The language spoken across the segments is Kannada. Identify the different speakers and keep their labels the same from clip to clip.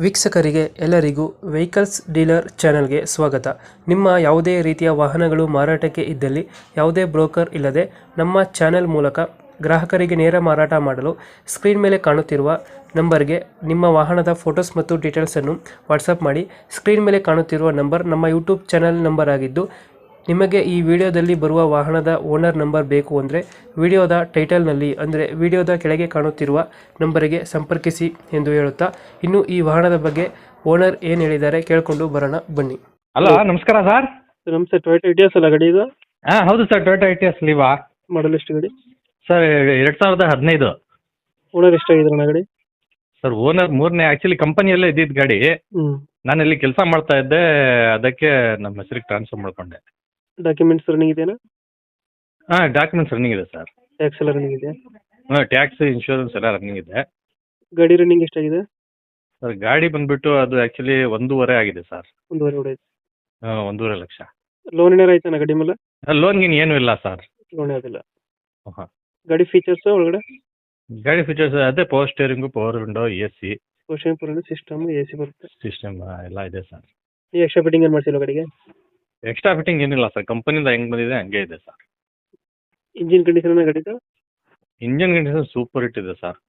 Speaker 1: ವೀಕ್ಷಕರಿಗೆ ಎಲ್ಲರಿಗೂ ವೆಹಿಕಲ್ಸ್ ಡೀಲರ್ ಚಾನೆಲ್ಗೆ ಸ್ವಾಗತ. ನಿಮ್ಮ ಯಾವುದೇ ರೀತಿಯ ವಾಹನಗಳು ಮಾರಾಟಕ್ಕೆ ಇದ್ದಲ್ಲಿ ಯಾವುದೇ ಬ್ರೋಕರ್ ಇಲ್ಲದೆ ನಮ್ಮ ಚಾನೆಲ್ ಮೂಲಕ ಗ್ರಾಹಕರಿಗೆ ನೇರ ಮಾರಾಟ ಮಾಡಲು ಸ್ಕ್ರೀನ್ ಮೇಲೆ ಕಾಣುತ್ತಿರುವ ನಂಬರ್ಗೆ ನಿಮ್ಮ ವಾಹನದ ಫೋಟೋಸ್ ಮತ್ತು ಡೀಟೇಲ್ಸನ್ನು ವಾಟ್ಸಪ್ ಮಾಡಿ. ಸ್ಕ್ರೀನ್ ಮೇಲೆ ಕಾಣುತ್ತಿರುವ ನಂಬರ್ ನಮ್ಮ ಯೂಟ್ಯೂಬ್ ಚಾನೆಲ್ ನಂಬರ್ ಆಗಿದ್ದು, ನಿಮಗೆ ಈ ವಿಡಿಯೋದಲ್ಲಿ ಬರುವ ವಾಹನದ ಓನರ್ ನಂಬರ್ ಬೇಕು ಅಂದರೆ ವಿಡಿಯೋದ ಟೈಟಲ್ನಲ್ಲಿ ಅಂದರೆ ವಿಡಿಯೋದ ಕೆಳಗೆ ಕಾಣುತ್ತಿರುವ ನಂಬರಿಗೆ ಸಂಪರ್ಕಿಸಿ ಎಂದು ಹೇಳುತ್ತಾ, ಇನ್ನು ಈ ವಾಹನದ ಬಗ್ಗೆ ಓನರ್ ಏನು ಹೇಳಿದ್ದಾರೆ ಕೇಳಿಕೊಂಡು ಬರೋಣ ಬನ್ನಿ.
Speaker 2: ಹಲೋ, ನಮಸ್ಕಾರ ಸರ್.
Speaker 1: ನಮಸ್ತೆ. ಟೊಯೋಟಾ ಇಟಿಯೋಸ್ ಅಲ್ಲ ಗಾಡಿ ಇದು?
Speaker 2: ಹಾಂ ಹೌದು ಸರ್, ಟೊಯೋಟಾ ಇಟಿಯೋಸ್ ಲೀವಾ.
Speaker 1: ಮಾಡಲ್ ಎಷ್ಟು ಗಾಡಿ
Speaker 2: ಸರ್ 2015.
Speaker 1: ಓನರ್ ಎಷ್ಟಾಗಿದ್ರಣ್ಣ ಗಾಡಿ?
Speaker 2: ಸರ್ ಓನರ್ ಮೂರನೇ, ಆ್ಯಕ್ಚುಲಿ ಕಂಪನಿಯಲ್ಲೇ ಇದ್ದಿದ್ದು ಗಾಡಿ. ನಾನು ಇಲ್ಲಿ ಕೆಲಸ ಮಾಡ್ತಾ ಇದ್ದೆ, ಅದಕ್ಕೆ ನಮ್ಮ ಹೆಸರಿಗೆ ಟ್ರಾನ್ಸ್ಫರ್ ಮಾಡ್ಕೊಂಡೆ.
Speaker 1: ಡಾಕ್ಯುಮೆಂಟ್ಸ್ ರನ್ನಿಂಗ್ ಇದೆಯಾ?
Speaker 2: ಹಾಂ, ಡಾಕ್ಯುಮೆಂಟ್ಸ್ ರನ್ನಿಂಗ್ ಇದೆ ಸರ್.
Speaker 1: ಟ್ಯಾಕ್ಸ್ ಎಲ್ಲ ರನ್ನಿಂಗ್ ಇದೆಯಾ?
Speaker 2: ಹಾಂ, ಟ್ಯಾಕ್ಸ್ ಇನ್ಶೂರೆನ್ಸ್ ಎಲ್ಲ ರನ್ನಿಂಗ್ ಇದೆ.
Speaker 1: ಗಾಡಿ ರನ್ನಿಂಗ್ ಎಷ್ಟಾಗಿದೆ?
Speaker 2: ಸರ್ ಗಾಡಿ ಬಂದುಬಿಟ್ಟು ಅದು ಆ್ಯಕ್ಚುಲಿ 1.5 ಆಗಿದೆ ಸರ್.
Speaker 1: 1.5 ಹೊಡೆಯುತ್ತೆ.
Speaker 2: ಹಾಂ, 1.5 ಲಕ್ಷ.
Speaker 1: ಲೋನ್ ಏನಾರು ಆಯ್ತಾನ ಗಾಡಿ ಮೇಲೆ?
Speaker 2: ಲೋನ್ ಗೀನ್ ಏನೂ ಇಲ್ಲ ಸರ್.
Speaker 1: ಲೋನ್ ಯಾವುದಿಲ್ಲ.
Speaker 2: ಹಾಂ,
Speaker 1: ಗಾಡಿ ಫೀಚರ್ಸ್ ಒಳಗಡೆ?
Speaker 2: ಗಾಡಿ ಫೀಚರ್ಸ್ ಅದೇ power steering, power window, AC,
Speaker 1: portion ಪೂರ್ಣ ಸಿಸ್ಟಮ್, AC ಬರುತ್ತೆ.
Speaker 2: ಸಿಸ್ಟಮ್ ಎಲ್ಲ ಇದೆ ಸರ್.
Speaker 1: ಈ ಎಕ್ಸ್ಟ್ರಾ ಫಿಟ್ಟಿಂಗ್ ಏನು ಮಾಡ್ಸಿಲ್ಲ ಗಾಡಿಗೆ?
Speaker 2: ಎಕ್ಸ್ಟ್ರಾ ಫಿಟ್ಟಿಂಗ್ ಏನಿಲ್ಲ ಸರ್, ಕಂಪನಿಯಿಂದ ಹೆಂಗೆ ಬಂದಿದೆ ಹಂಗೆ ಇದೆ ಸರ್.
Speaker 1: ಇಂಜಿನ್ ಕಂಡೀಷನ್ ಗಾಡಿದು?
Speaker 2: ಇಂಜನ್ ಕಂಡೀಷನ್ ಸೂಪರ್ ಹಿಟ್ ಇದೆ sir.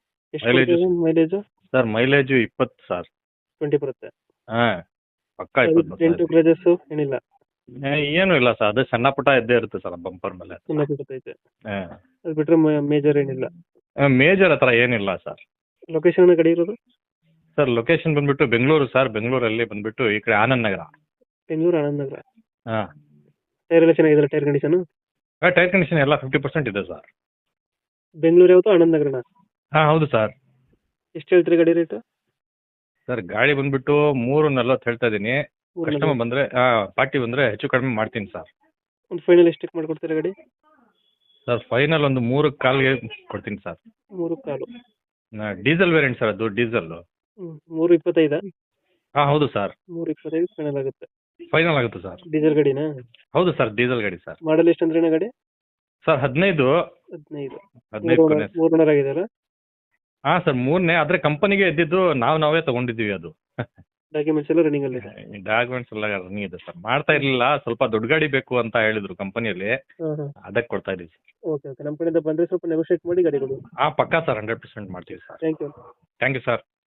Speaker 1: Mileage
Speaker 2: sir mileage 20 sir.
Speaker 1: 20 ಬರುತ್ತೆ.
Speaker 2: ಹಾಂ, ಪಕ್ಕ 20
Speaker 1: ಡೆಂಟು ಕ್ರಚಸ್ ಏನಿಲ್ಲ?
Speaker 2: ಏನೂ ಇಲ್ಲ ಸರ್, ಅದೇ ಸಣ್ಣ ಪುಟ್ಟ ಇದ್ದೇ ಇರುತ್ತೆ ಸರ್ ಬಂಪರ್ ಮೇಲೆ.
Speaker 1: ಸಣ್ಣ ಬಿಡುತ್ತೈತೆ.
Speaker 2: ಹಾಂ,
Speaker 1: ಅದು ಬಿಟ್ಟರೆ ಮೇಜರ್ ಏನಿಲ್ಲ?
Speaker 2: ಮೇಜರ್ ಹತ್ರ ಏನಿಲ್ಲ ಸರ್.
Speaker 1: ಲೊಕೇಶನ್ ಗಾಡಿ ಇರೋದು?
Speaker 2: ಸರ್ ಲೊಕೇಶನ್ ಬಂದುಬಿಟ್ಟು ಬೆಂಗಳೂರು ಸರ್. ಬೆಂಗಳೂರಲ್ಲಿ ಬಂದುಬಿಟ್ಟು ಈ ಕಡೆ ಆನಂದ್ ನಗರ.
Speaker 1: ಬೆಂಗಳೂರು ಆನಂದ್ ನಗರ.
Speaker 2: ಹಾಂ.
Speaker 1: ಟೈರ್ ಎಲ್ಲ ಚೆನ್ನಾಗಿದೆಯಲ್ಲ? Tyre condition?
Speaker 2: ಟೈರ್ ಕಂಡೀಷನ್ ಎಲ್ಲ 50% ಇದೆ ಸರ್.
Speaker 1: ಬೆಂಗಳೂರು ಯಾವತ್ತು? ಆನಂದ್ ನಗರನ?
Speaker 2: ಹಾಂ ಹೌದು ಸರ್.
Speaker 1: ಎಷ್ಟು ಹೇಳ್ತೀರಿ ಗಾಡಿ ರೇಟ್?
Speaker 2: ಸರ್ ಗಾಡಿ ಬಂದುಬಿಟ್ಟು 3.40 ಹೇಳ್ತಾ ಇದ್ದೀನಿ. ಕಸ್ಟಮರ್ ಬಂದರೆ ಪಾರ್ಟಿ ಬಂದರೆ ಹೆಚ್ಚು ಕಡಿಮೆ ಮಾಡ್ತೀನಿ ಸರ್.
Speaker 1: ಒಂದು ಫೈನಲ್ ಎಷ್ಟಕ್ಕೆ ಮಾಡ್ಕೊಡ್ತೀರಾ ಗಾಡಿ?
Speaker 2: ಸರ್ ಫೈನಲ್ ಒಂದು 3.25 ಕೊಡ್ತೀನಿ ಸರ್.
Speaker 1: 3.25?
Speaker 2: ಡೀಸೆಲ್ ವೇರಿಯಂಟ್ ಸರ್, ಅದು ಡೀಸೆಲ್ಲು.
Speaker 1: 3.25?
Speaker 2: ಹಾಂ ಹೌದು ಸರ್.
Speaker 1: 3.25 ಫೈನಲ್ ಆಗುತ್ತೆ.
Speaker 2: ಫೈನಲ್ ಆಗುತ್ತೆ ಸರ್.
Speaker 1: ಡೀಸೆಲ್ ಗಾಡಿನಾ?
Speaker 2: ಹೌದು ಸರ್, ಡೀಸೆಲ್ ಗಾಡಿ ಸರ್.
Speaker 1: ಮಾಡಲ್ ಎಷ್ಟು ಅಂದ್ರೆ ಗಾಡಿ?
Speaker 2: ಸರ್ 15.
Speaker 1: 15 ಮೂರು ಆಗಿದೆಯಲ್ಲ?
Speaker 2: ಹಾಂ ಸರ್, ಮೂರನೇ. ಆದರೆ ಕಂಪನಿಗೆ ಇದ್ದಿದ್ದು ನಾವೇ ತೊಗೊಂಡಿದ್ದೀವಿ ಅದು.
Speaker 1: ಡಾಕ್ಯುಮೆಂಟ್ಸ್ ಎಲ್ಲ ರನ್ನಿಂಗ್ ಅಲ್ಲಿ?
Speaker 2: ಡಾಕ್ಯುಮೆಂಟ್ಸ್ ಎಲ್ಲ ರನ್ನಿಂಗ್ ಇದೆ ಸರ್. ಮಾಡ್ತಾ ಇರಲಿಲ್ಲ, ಸ್ವಲ್ಪ ದೊಡ್ಡ ಗಾಡಿ ಬೇಕು ಅಂತ ಹೇಳಿದ್ರು ಕಂಪನಿಯಲ್ಲಿ, ಅದಕ್ಕೆ ಕೊಡ್ತಾ ಇದ್ದೀವಿ ಸರ್.
Speaker 1: ಓಕೆ ಓಕೆ, ನಮ್ಮ ಕಡೆಯಿಂದ ಬಂದರೆ ಸ್ವಲ್ಪ ನೆಗೋಷಿಯೇಟ್ ಮಾಡಿ ಗಾಡಿ ಕೊಡಿ.
Speaker 2: ಹಾಂ ಪಕ್ಕಾ ಸರ್, 100% ಮಾಡ್ತೀವಿ sir.
Speaker 1: Thank you.
Speaker 2: Thank you sir.